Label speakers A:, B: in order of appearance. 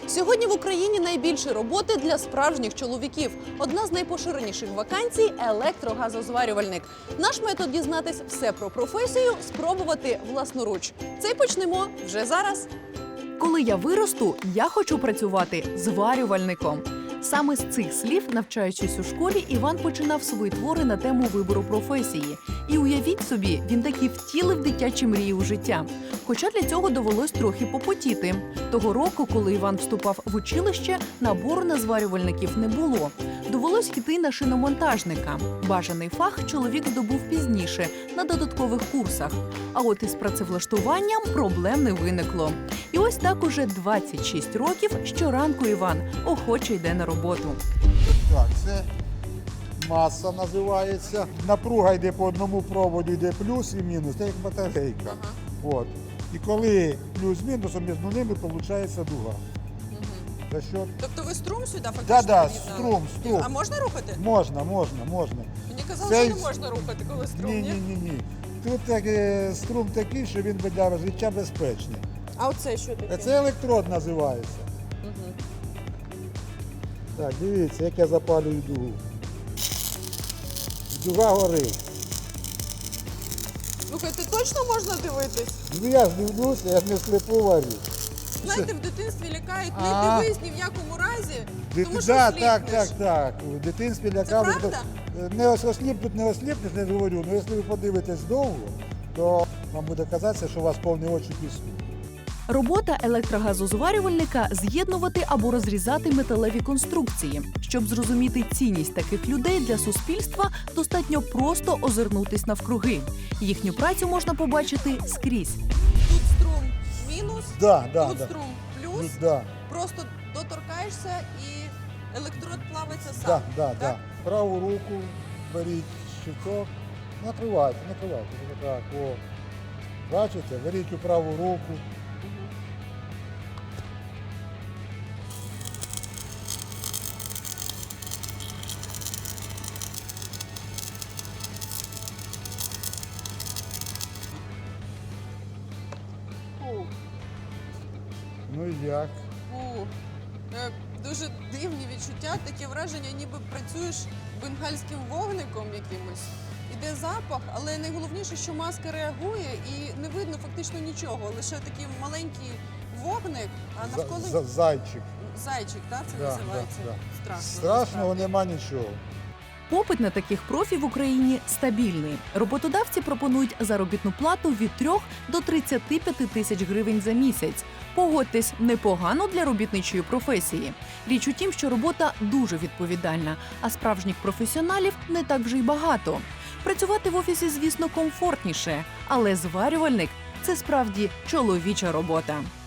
A: Сьогодні в Україні найбільше роботи для справжніх чоловіків. Одна з найпоширеніших вакансій – електрогазозварювальник. Наш метод дізнатись все про професію – спробувати власноруч. Це й почнемо вже зараз.
B: Коли я виросту, я хочу працювати зварювальником. Саме з цих слів, навчаючись у школі, Іван починав свої твори на тему вибору професії. І уявіть собі, він таки втілив дитячі мрії у життя. Хоча для цього довелось трохи попотіти. Того року, коли Іван вступав в училище, набору на зварювальників не було. Довелось йти на шиномонтажника. Бажаний фах чоловік здобув пізніше, на додаткових курсах. А от із працевлаштуванням проблем не виникло. І ось так уже 26 років щоранку Іван охоче йде на роботу.
C: Так, це маса називається. Напруга йде по одному проводу, йде плюс і мінус, це як батарейка. От. І коли плюс-мінусом між ними виходить дуга. За що?
A: Тобто ви струм сюди фактично
C: Да,
A: під'єднали?
C: струм.
A: А можна рухати?
C: Можна.
A: Мені казали, що не можна рухати, коли струм, ні?
C: Ні. Тут струм такий, що він для життя безпечний.
A: А оце що таке?
C: Це електрод називається. Так, дивіться, як я запалюю дугу. Дуга горить.
A: Слухайте, точно можна дивитись?
C: Ну я ж дивлюся, я ж не слепу варю.
A: Знаєте, в дитинстві лякають, не дивись ні в якому разі, тому що
C: Так. В дитинстві лякали.
A: Це правда?
C: Не осліпнеш, не говорю, але якщо ви подивитесь довго, то вам буде казатися, що у вас повні очі піску.
B: Робота електрогазозварювальника – з'єднувати або розрізати металеві конструкції. Щоб зрозуміти цінність таких людей для суспільства, достатньо просто озирнутись навкруги. Їхню працю можна побачити скрізь.
A: Тут струм мінус, тут струм плюс, просто доторкаєшся і електрод плавиться сам.
C: Так. Праву руку беріть щиток, накривайте. Так, о. Бачите, беріть у праву руку. Ну і як?
A: Дуже дивні відчуття, таке враження, ніби працюєш бенгальським вогником якимось. Іде запах, але найголовніше, що маска реагує і не видно фактично нічого. Лише такий маленький вогник, а навколо...
C: Зайчик.
A: Зайчик, так це називається? Страшно.
C: Страшного нема нічого.
B: Попит на таких профі в Україні стабільний. Роботодавці пропонують заробітну плату від 3 до 35 тисяч гривень за місяць. Погодьтесь, непогано для робітничої професії. Річ у тім, що робота дуже відповідальна, а справжніх професіоналів не так вже й багато. Працювати в офісі, звісно, комфортніше, але зварювальник – це справді чоловіча робота.